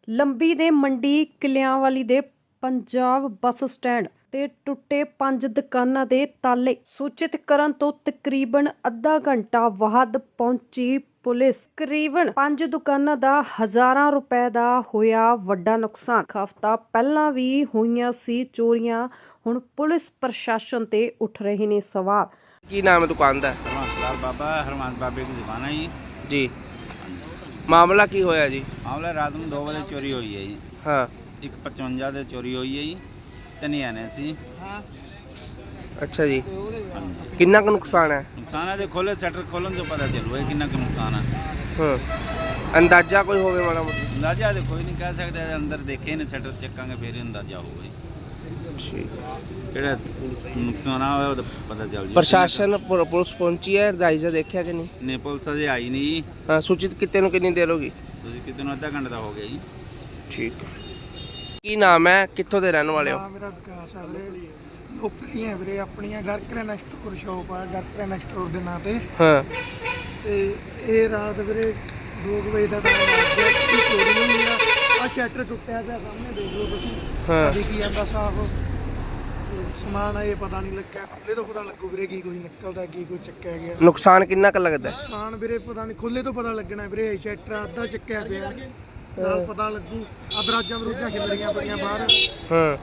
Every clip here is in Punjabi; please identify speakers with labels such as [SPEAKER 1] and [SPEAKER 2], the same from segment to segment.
[SPEAKER 1] ਲੰਬੀ ਦੇ ਮੰਡੀ ਕਿਲਿਆਂਵਾਲੀ ਦੇ ਪੰਜਾਬ ਬੱਸ ਸਟੈਂਡ ਤੇ ਟੁੱਟੇ 5 ਦੁਕਾਨਾਂ ਦੇ ਤਾਲੇ ਸੂਚਿਤ ਕਰਨ ਤੋਂ ਤਕਰੀਬਨ ਅੱਧਾ ਘੰਟਾ ਬਾਅਦ ਪਹੁੰਚੀ ਪੁਲਿਸ। ਤਕਰੀਬਨ 5 ਦੁਕਾਨਾਂ ਦਾ ਹਜ਼ਾਰਾਂ ਰੁਪਏ ਦਾ ਹੋਇਆ ਵੱਡਾ ਨੁਕਸਾਨ। ਹਫ਼ਤਾ ਪਹਿਲਾਂ ਵੀ ਹੋਈਆਂ ਸੀ ਚੋਰੀਆਂ। ਹੁਣ ਪੁਲਿਸ ਪ੍ਰਸ਼ਾਸਨ ਤੇ ਉੱਠ ਰਹੇ ਨੇ ਸਵਾਲ।
[SPEAKER 2] ਕੀ ਨਾਮ ਹੈ ਦੁਕਾਨ ਦਾ?
[SPEAKER 3] ਹਰਮੰਸ ਬਾਬਾ ਹਰਮੰਸ ਬਾਬੇ ਦੀ ਦੁਕਾਨ ਹੈ ਜੀ।
[SPEAKER 2] ਜੀ, ਮਾਮਲਾ ਕੀ ਹੋਇਆ ਜੀ?
[SPEAKER 3] ਮਾਮਲਾ ਰਾਤ ਨੂੰ 2 ਵਜੇ ਚੋਰੀ ਹੋਈ ਹੈ ਜੀ।
[SPEAKER 2] ਹਾਂ,
[SPEAKER 3] ਇੱਕ 55 ਦੇ ਚੋਰੀ ਹੋਈ ਹੈ ਜੀ। ਤਿੰਨ ਜਾਣੇ ਸੀ।
[SPEAKER 2] ਅੱਛਾ ਜੀ, ਕਿੰਨਾ ਕੁ ਨੁਕਸਾਨ ਹੈ?
[SPEAKER 3] ਨੁਕਸਾਨ ਹੈ, ਜੇ ਖੋਲੇ ਸ਼ਟਰ ਖੋਲਣ ਤੋਂ ਪਤਾ ਚੱਲੂਗਾ ਕਿੰਨਾ ਕੁ ਨੁਕਸਾਨ ਹੈ।
[SPEAKER 2] ਹਾਂ, ਅੰਦਾਜ਼ਾ ਕੋਈ ਹੋਵੇ ਮਾੜਾ ਮੋਟਾ?
[SPEAKER 3] ਅੰਦਾਜ਼ਾ ਤੇ ਕੋਈ ਨਹੀਂ ਕਹਿ ਸਕਦੇ, ਅੰਦਰ ਦੇਖੇ ਨੇ ਸ਼ਟਰ ਚੱਕਾਂਗੇ ਫਿਰ ਹੀ ਅੰਦਾਜ਼ਾ ਹੋਊਗਾ ਜੀ।
[SPEAKER 2] ਠੀਕ।
[SPEAKER 3] ਕਿਹੜਾ ਨੁਕਸਾਨ ਹੋਇਆ ਉਹ ਤਾਂ ਪਤਾ ਚੱਲ ਜੀ।
[SPEAKER 2] ਪ੍ਰਸ਼ਾਸਨ ਪੁਲਿਸ ਪਹੁੰਚੀ ਹੈ? ਰਾਈਜ਼ਾ ਦੇਖਿਆ ਕਿ ਨਹੀਂ?
[SPEAKER 3] ਨੇ ਪੁਲਿਸ ਅਜੇ ਆਈ ਨਹੀਂ ਜੀ।
[SPEAKER 2] ਹਾਂ, ਸੂਚਿਤ ਕਿਤੇ ਨੂੰ ਕਿੰਨੀ ਦੇਰ ਹੋ ਗਈ?
[SPEAKER 3] ਤੁਸੀਂ ਕਿਤੇ ਨੂੰ ਅੱਧਾ ਘੰਟਾ ਦਾ ਹੋ ਗਿਆ ਜੀ।
[SPEAKER 2] ਠੀਕ। ਕੀ ਨਾਮ ਹੈ, ਕਿੱਥੋਂ ਦੇ ਰਹਿਣ ਵਾਲੇ ਹੋ?
[SPEAKER 4] ਮੇਰਾ ਵਿਕਾਸ ਆ ਵੀਰੇ, ਲੋਕਲੀ ਹੈ ਵੀਰੇ। ਆਪਣੀਆਂ ਘਰ ਕਰਿਆਨਾ ਸਟੋਰ ਸ਼ੋਪ ਆ, ਘਰ ਕਰਿਆਨਾ ਸਟੋਰ ਦੇ ਨਾਂ ਤੇ।
[SPEAKER 2] ਹਾਂ,
[SPEAKER 4] ਤੇ ਇਹ ਰਾਤ ਵੀਰੇ 2 ਵਜੇ ਦਾ ਟਾਈਮ ਆ ਗਿਆ, ਚੋਰੀ ਹੋਈ ਆ ਸ਼ਟਰ ਟੁੱਟਿਆ ਪਿਆ ਸਾਹਮਣੇ ਦੇਖ ਲਓ ਤੁਸੀਂ।
[SPEAKER 2] ਹਾਂ।
[SPEAKER 4] ਦਿਖੀ ਜਾਂਦਾ ਸਾਫ। ਤੇ ਸਮਾਨ ਇਹ ਪਤਾ ਨਹੀਂ ਲੱਗਿਆ, ਖੁੱਲੇ ਤੋਂ ਪਤਾ ਲੱਗੂ ਵੀਰੇ ਕੀ ਕੁਝ ਨਿਕਲਦਾ ਕੀ ਕੁਝ ਚੱਕਿਆ ਗਿਆ।
[SPEAKER 2] ਨੁਕਸਾਨ ਕਿੰਨਾ ਕੁ ਲੱਗਦਾ?
[SPEAKER 4] ਨੁਕਸਾਨ ਵੀਰੇ ਪਤਾ ਨਹੀਂ, ਖੁੱਲੇ ਤੋਂ ਪਤਾ ਲੱਗਣਾ ਵੀਰੇ। ਸ਼ਟਰ ਅੱਧਾ ਚੱਕਿਆ ਪਿਆ, ਨਾਲ ਪਤਾ ਲੱਗੂ। ਦਰਾਜਾਂ ਬਰੂਜਾਂ ਖਿਲਰੀਆਂ ਪਈਆਂ ਬਾਹਰ।
[SPEAKER 2] ਹਾਂ,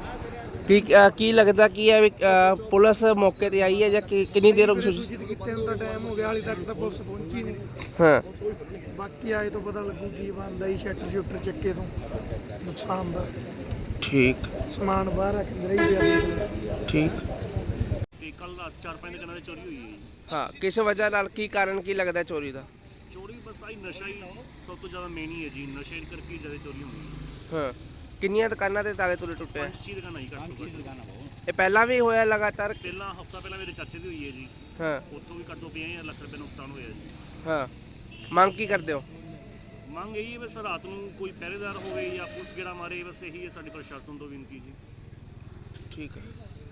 [SPEAKER 2] ਕੀ ਲੱਗਦਾ ਕੀ ਹੈ ਵੀ ਪੁਲਿਸ ਮੌਕੇ ਤੇ ਆਈ ਹੈ ਜਾਂ ਕਿੰਨੀ ਦੇਰ ਹੋ ਗਈ?
[SPEAKER 4] ਸੂਚਿਤ ਕੀਤੇ ਨੂੰ ਤਾਂ ਟਾਈਮ ਹੋ ਗਿਆ, ਹਾਲੇ ਤੱਕ ਤਾਂ ਪੁਲਿਸ ਪਹੁੰਚੀ ਨਹੀਂ।
[SPEAKER 2] ਹਾਂ,
[SPEAKER 4] ਬਾਕੀ ਆਏ ਤੋਂ ਪਤਾ ਲੱਗੂ ਕੀ ਬਣਦਾ ਜੀ। ਸ਼ਟਰ ਚੱਕੇ ਤੋਂ ਨੁਕਸਾਨ ਦਾ।
[SPEAKER 2] ਠੀਕ
[SPEAKER 4] ਸਮਾਨ ਬਾਹਰ ਰੱਖ ਰਹੀ ਪਿਆ।
[SPEAKER 2] ਠੀਕ।
[SPEAKER 5] ਤੇ ਕੱਲ ਰਾਤ 4-5 ਦੁਕਾਨਾਂ ਦੀ ਚੋਰੀ ਹੋਈ ਹੈ ਜੀ।
[SPEAKER 2] ਹਾਂ, ਕਿਸ ਵਜ੍ਹਾ ਨਾਲ, ਕੀ ਕਾਰਨ ਕੀ ਲੱਗਦਾ ਚੋਰੀ ਦਾ?
[SPEAKER 5] ਚੋਰੀ ਬਸ ਆਹੀ ਨਸ਼ਾ ਹੀ ਸਭ ਤੋਂ ਜ਼ਿਆਦਾ ਮੇਨ ਹੀ ਹੈ ਜੀ। ਨਸ਼ੇ ਕਰਕੇ ਜ਼ਿਆਦਾ ਚੋਰੀ ਹੁੰਦੀ ਹੈ।
[SPEAKER 2] ਹਾਂ, ਕਿੰਨੀਆਂ ਦੁਕਾਨਾਂ ਦੇ ਤਾਲੇ ਤੁਲੇ ਟੁੱਟੇ ਆ?
[SPEAKER 5] 5-6 ਦੁਕਾਨਾਂ ਹੀ ਘੱਟ ਤੋਂ ਘੱਟ।
[SPEAKER 2] ਇਹ ਪਹਿਲਾਂ ਵੀ ਹੋਇਆ ਲਗਾਤਾਰ?
[SPEAKER 5] ਪਹਿਲਾਂ ਹਫਤਾ ਪਹਿਲਾਂ ਮੇਰੇ ਚਾਚੇ ਦੀ ਹੋਈ ਹੈ ਜੀ।
[SPEAKER 2] ਹਾਂ।
[SPEAKER 5] ਉੱਥੋਂ ਵੀ ਘੱਟੋ 50 ਲੱਖ ਰੁਪਏ ਨੁਕਸਾਨ ਹੋਇਆ ਜੀ।
[SPEAKER 2] ਹਾਂ, ਮੰਗ ਕੀ ਕਰਦੇ ਹੋ?
[SPEAKER 5] ਮੰਗ ਇਹੀ ਹੈ ਬਸ ਰਾਤ ਨੂੰ ਕੋਈ ਪਹਿਰੇਦਾਰ ਹੋਵੇ ਜਾਂ ਪੁਲਿਸ ਗੇੜਾ ਮਾਰੇ, ਬਸ ਇਹੀ ਹੈ ਸਾਡੀ ਪ੍ਰਸ਼ਾਸਨ ਤੋਂ ਬੇਨਤੀ ਜੀ।
[SPEAKER 2] ਠੀਕ ਹੈ।